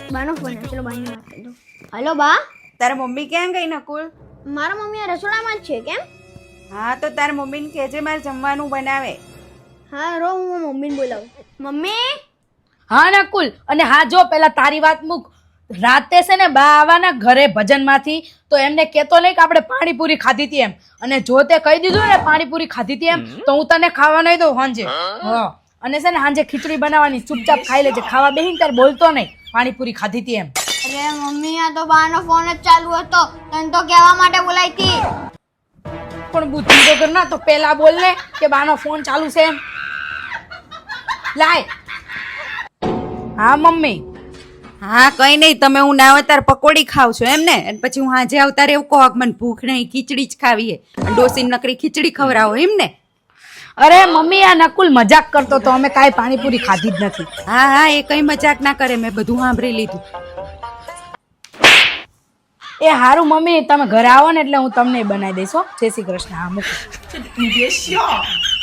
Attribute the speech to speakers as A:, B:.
A: બાનો phone ચલો બાની વાત કરી દો. હલો બા.
B: તારા મમ્મી ક્યાં ગઈ નકુલ?
A: મારા મમ્મી આ રસોડામાં જ છે. કેમ?
B: હા તો તારા મમ્મીને કહેજે મારે જમવાનું બનાવે.
A: હા રો હું મમ્મીને બોલાવું. મમ્મી.
C: હા નકુલ, અને હા જો પેલા તારી વાત મૂક. રાતે છે ને બા આવવાના ઘરે ભજનમાંથી, તો એમને કહેતો નહીં કે આપણે પાણીપુરી ખાધી હતી એમ. અને જો તે કહી દીધું ને પાણીપુરી ખાધી હતી એમ, તો હું તને ખાવા નહીં દઉં સાંજે. હા, અને છે ને સાંજે ખીચડી બનાવવાની, ચૂપચાપ ખાઈ લેજે. ખાવા બેહીને ત્યારે બોલતો નહીં પાણીપુરી ખાધી હતી એમ.
A: અરે મમ્મી આ તો બાનો ફોન જ ચાલુ હતો, તને તો કહેવા માટે બોલાઈ હતી.
C: પણ બુદ્ધિ વગર ના તો પેલા બોલ ને કે બાનો ફોન ચાલુ છે એમ. લાય. હા મમ્મી.
B: હા કઈ નહીં, તમે હું ના આવે ત્યારે પકોડી ખાવ છો એમ ને? અને પછી હું હાજે આવતા એવું કહો કે મને ભૂખ નહીં, ખીચડી જ ખાવી હે. ડોસીને નકરી ખીચડી ખવડાવો એમ ને?
C: અરે મમ્મી આ નકુલ મજાક કરતો તો, અમે કાંઈ પાણીપુરી ખાધી જ નથી.
B: હા હા, એ કઈ મજાક ના કરે, મેં બધું સાંભળી લીધું.
C: એ હારું મમ્મી, તમે ઘરે આવો ને એટલે હું તમને બનાવી દઈશ હો. જય શ્રી કૃષ્ણ. હા મૂકો.